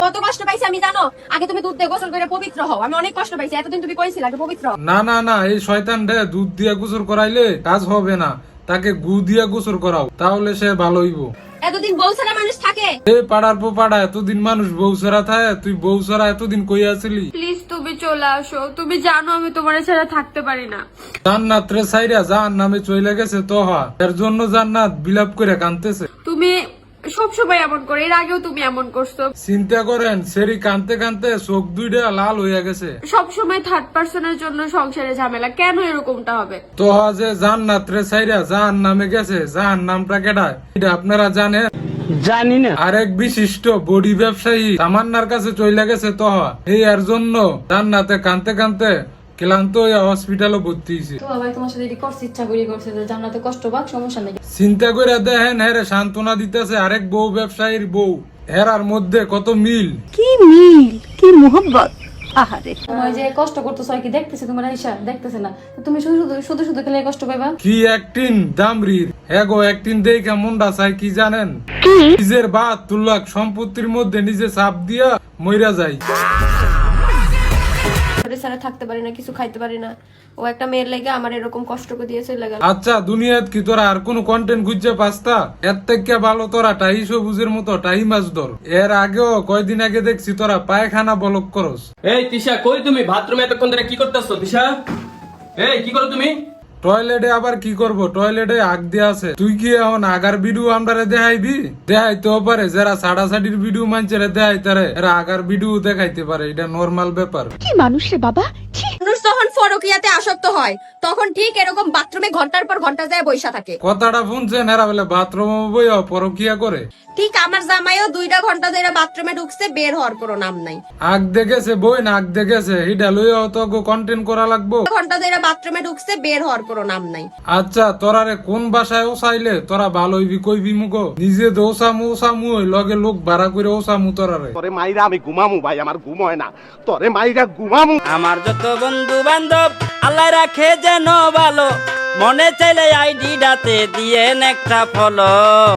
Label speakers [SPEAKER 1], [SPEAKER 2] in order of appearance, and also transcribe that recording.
[SPEAKER 1] কত কষ্ট পাইছি আমি জানো? আগে তুমি দুধ দিয়ে গোসল করে পবিত্র হও। আমি অনেক কষ্ট পাইছি, এতদিন তুমি কইছিলা আগে পবিত্র হও।
[SPEAKER 2] না না না, এই শয়তান রে দুধ দিয়া গোসল করাইলে কাজ হবে না, তাকে গু দিয়া গোসল করাও, তাহলে সে ভালো হইব।
[SPEAKER 1] এতদিন বউ ছাড়া মানুষ থাকে?
[SPEAKER 2] এ পাড়ার পো পাড়া এতদিন মানুষ বউ ছাড়া থাকে, তুই বউ ছাড়া এতদিন কই আছিলি?
[SPEAKER 3] প্লিজ তুমি চলে আসো, তুমি জানো আমি তোমার ছাড়া থাকতে পারি না।
[SPEAKER 2] জান্নাত রে সাইরা জাহান্নামে চইলা গেছে তোহা, এর জন্য জান্নাত বিলাপ করে কাঁদতেছে।
[SPEAKER 3] তুমি সবসময় এমন করো, এর আগেও তুমি এমন করছো।
[SPEAKER 2] চিন্তা করেন সেরি কানতে কানতে চোখ দুইটা লাল হইয়া গেছে।
[SPEAKER 3] সবসময় থার্ড পার্সনের জন্য সংসারে ঝামেলা, কেন এরকমটা হবে?
[SPEAKER 2] তোহা যে জান্নাত রে সাইরা জাহান্নামে গেছে, জাহান্নামটা কেডা এটা আপনারা জানেন?
[SPEAKER 4] জানি না।
[SPEAKER 2] আরেক বিশিষ্ট বডি ব্যবসায়ী তামান্নার কাছে চইলা গেছে তোহা, এই এর জন্য জান্নাতে কানতে কানতে ক্লান্ত হইয়া হসপিটালে ভর্তি হইছে।
[SPEAKER 5] তো ভাই তোমার সাথে এটি করতে ইচ্ছা করি করছে যে জান্নাতে কষ্ট পাক, সমস্যা নেই।
[SPEAKER 2] চিন্তা করে দেখেন হেরে সান্ত্বনা দিতেছে আরেক বউ ব্যবসায়ীর বউ, হেরার মধ্যে কত মিল।
[SPEAKER 6] কি মিল, কি মোহব্বত। আহারে
[SPEAKER 5] তোমার যে কষ্ট করতেছো আর কি দেখতেছে, তোমার আইসা দেখতেছে না, তো তুমি শুধু শুধু শুধু শুধু খেলে কষ্ট পাইবা।
[SPEAKER 2] কি একটিন দামরির, এগো একটিন দেখে মনটা চাই কি জানেন? নিজের বাদ তুল্লাক সম্পত্তির মধ্যে নিজে চাপ দিয়া মইরা যায়।
[SPEAKER 1] ছাড়া থাকতে পারি না, কিছু খাইতে পারি না। ও একটা মেয়ের লাগে আমার এরকম কষ্ট করে দিয়েছে লাগা।
[SPEAKER 2] আচ্ছা দুনিয়াত কি তোরা আর কোন কন্টেন্ট খুঁজছে পাস্তা? এর থেকে ভালো তোরা টাই সবুজের মতো টাই মাছ ধর। এর আগেও কয়দিন আগে দেখছি তোরা পায়খানা বলক করস।
[SPEAKER 4] এই তিশা, কই তুমি? বাথরুমে এতক্ষণ ধরে কি করতেছো তিশা? এই কি করো তুমি?
[SPEAKER 2] টয়লেটে আবার কি করব, টয়লেটে আগ দিয়ে আছে। তুই কি এখন আগার ভিডিও আমরারে দেখাইবি? দেখাইতেও পারে, যারা সাড়াসাড়ির ভিডিও মানছে দেখাইতারে, এরা আগার ভিডিও দেখাইতে পারে, এটা নর্মাল ব্যাপার।
[SPEAKER 6] কি মানুষ রে বাবা।
[SPEAKER 1] মানুষ যখন ফরকিয়াতে আসক্ত হয় তখন ঠিক এরকম বাথরুমে ঘন্টার পর ঘন্টা যায় বইসা থাকে।
[SPEAKER 2] কথাটা শুনছেন? এরা বলে বাথরুমে বইয়া পরকিয়া করে।
[SPEAKER 1] ঠিক আমার জামাইও 2 ঘন্টা ধরে বাথরুমে ঢুকছে, বের হওয়ার কোনো নাম নাই।
[SPEAKER 2] আগ দেখেছে বই না আগ দেখেছে, এটা লইয়া তো কন্টেন্ট করা লাগবো।
[SPEAKER 1] ঘন্টা ধরে বাথরুমে ঢুকছে, বের হওয়ার কোনো নাম নাই।
[SPEAKER 2] আচ্ছা তোরারে কোন বাসায় ওসাইলে তোরা ভালো হইবি কইবি মুগো? নিজে তো ওসামু ওসামু ওই লগে লোক ভাড়া করে ওসামু তোরারে।
[SPEAKER 7] তোরে মাইরা আমি ঘুমামু ভাই, আমার ঘুম হয় না। তোরে মাইরা ঘুমামু।
[SPEAKER 4] আমার যত বন্ধু বান্ধব আল্লাহ রাখে যেন ভালো, মনে চাইলে আইডিটাতে দিয়েন একটা ফলো।